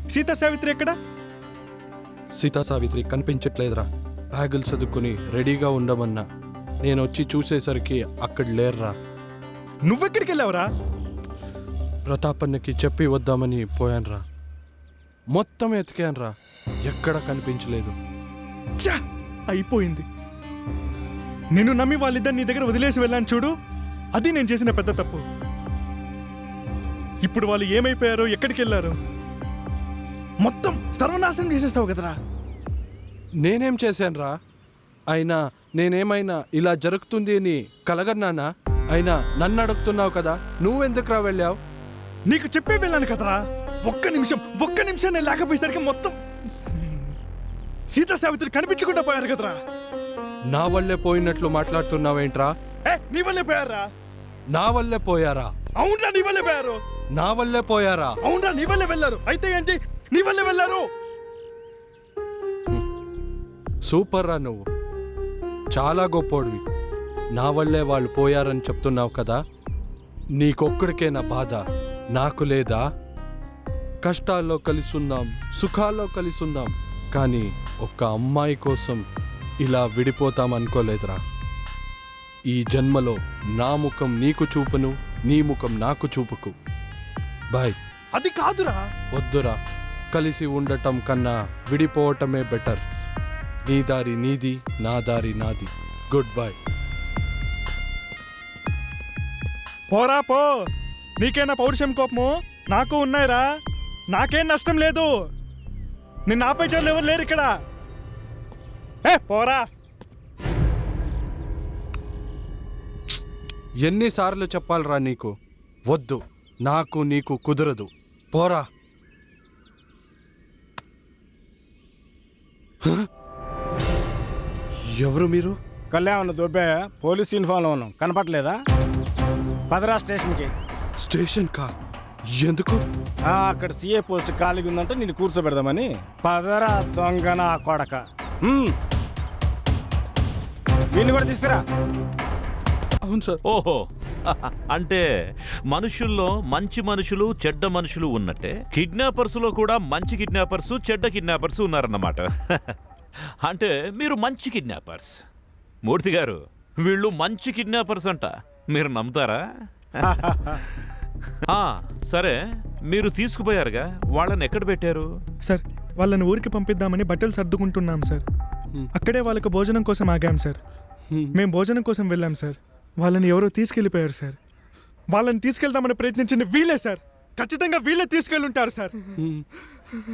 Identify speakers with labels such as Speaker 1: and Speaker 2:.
Speaker 1: సీతా సావిత్రి ఎక్కడ?
Speaker 2: సీతా సావిత్రి కనిపించట్లేదురా. బ్యాగులు చదువుకుని రెడీగా ఉండమన్నా. నేను వచ్చి చూసేసరికి అక్కడ లేర్రా.
Speaker 1: నువ్వెక్కడికి వెళ్ళావురా?
Speaker 2: ప్రతాపన్నకి చెప్పి వద్దామని పోయాన్రా. మొత్తం ఎతికాన్రా, ఎక్కడ కనిపించలేదు.
Speaker 1: ఛా, అయిపోయింది. నిన్ను నమ్మి వాళ్ళిద్దరు నీ దగ్గర వదిలేసి వెళ్ళాను చూడు, అది నేను చేసిన పెద్ద తప్పు. ఇప్పుడు వాళ్ళు ఏమైపోయారో, ఎక్కడికి వెళ్ళారో మొత్తం సర్వనాశనం చేసేస్తావు కదరా.
Speaker 2: నేనేం చేశాన్రా? అయినా నేనేమైనా ఇలా జరుగుతుంది అని కలగన్నానా? అయినా నన్ను అడుగుతున్నావు కదా, నువ్వెందుకురా వెళ్ళావు?
Speaker 1: నీకు చెప్పే వెళ్ళాను కదరా. ఒక్క నిమిషం నేను లేకపోయేసరికి మొత్తం సీతా సావిత్రి కనిపించకుండా పోయారు కదరా.
Speaker 2: నా వల్లే పోయినట్లు మాట్లాడుతున్నావేంట్రా?
Speaker 1: నీ వల్లే పోయారా?
Speaker 2: నా వల్లే పోయారా?
Speaker 1: అవునరా, నీ వల్లే పోయారు.
Speaker 2: నా వల్లే పోయారా?
Speaker 1: అవునరా, నీ వల్లే వెళ్ళారు. అయితే ఏంటి, నీ వల్లే వెళ్ళారు.
Speaker 2: సూపర్ రా, నువ్వు చాలా గొప్పోడివి. నా వల్లే వాళ్ళు పోయారని చెప్తున్నావు కదా. నీకొక్కడికే నా బాధ, నాకు లేదా? కష్టాల్లో కలిసుందాం, సుఖాల్లో కలిసుందాం, కానీ ఒక్క అమ్మాయి కోసం ఇలా విడిపోతాం అనుకోలేదురా. ఈ జన్మలో నా ముఖం నీకు చూపును, నీ ముఖం నాకు చూపుకు. బాయ్.
Speaker 1: అది కాదురా.
Speaker 2: వద్దురా, కలిసి ఉండటం కన్నా విడిపోవటమే బెటర్. నీ దారి నీది, నా దారి నాది. Good bye.
Speaker 1: పోరా పో. నీకేనా పౌరుషం, కోపము? నాకు ఉన్నాయిరా. నాకేం నష్టం లేదు. నిన్ను ఆపేటోళ్ళు ఎవరు లేరు ఇక్కడ. పోరా.
Speaker 2: ఎన్నిసార్లు చెప్పాలరా నీకు? వద్దు, నాకు నీకు కుదరదు. పోరా. ఎవరు మీరు?
Speaker 3: కళ్యాణ్ దుబ్బే, పోలీస్ యూనిఫామ్లో ఉన్నాం, కనపట్లేదా? పదరా స్టేషన్కి.
Speaker 2: స్టేషన్ కా? ఎందుకు?
Speaker 3: అక్కడ సీఏ పోస్ట్ ఖాళీగా ఉందంటే నిన్ను కూర్చోబెడదామని. పదరా దొంగన కొడక. వీళ్ళు కూడా తీసుకురా.
Speaker 2: అవును సార్.
Speaker 4: ఓహో, అంటే మనుషుల్లో మంచి మనుషులు, చెడ్డ మనుషులు ఉన్నట్టే కిడ్నాపర్స్లో కూడా మంచి కిడ్నాపర్స్, చెడ్డ కిడ్నాపర్స్ ఉన్నారన్నమాట. అంటే మీరు మంచి కిడ్నాపర్స్. మూర్తి గారు, వీళ్ళు మంచి కిడ్నాపర్స్ అంట. మీరు నమ్ముతారా? సరే, మీరు తీసుకుపోయారుగా, వాళ్ళని ఎక్కడ పెట్టారు?
Speaker 1: సార్, వాళ్ళని ఊరికి పంపిద్దామని బట్టలు సర్దుకుంటున్నాం సార్. అక్కడే వాళ్ళకు భోజనం కోసం ఆగాం సార్. మేము భోజనం కోసం వెళ్ళాం సార్. వాళ్ళని ఎవరో తీసుకెళ్ళిపోయారు సార్. వాళ్ళని తీసుకెళ్దామని ప్రయత్నించింది వీళ్ళే సార్. ఖచ్చితంగా వీళ్ళే తీసుకెళ్ళుంటారు సార్.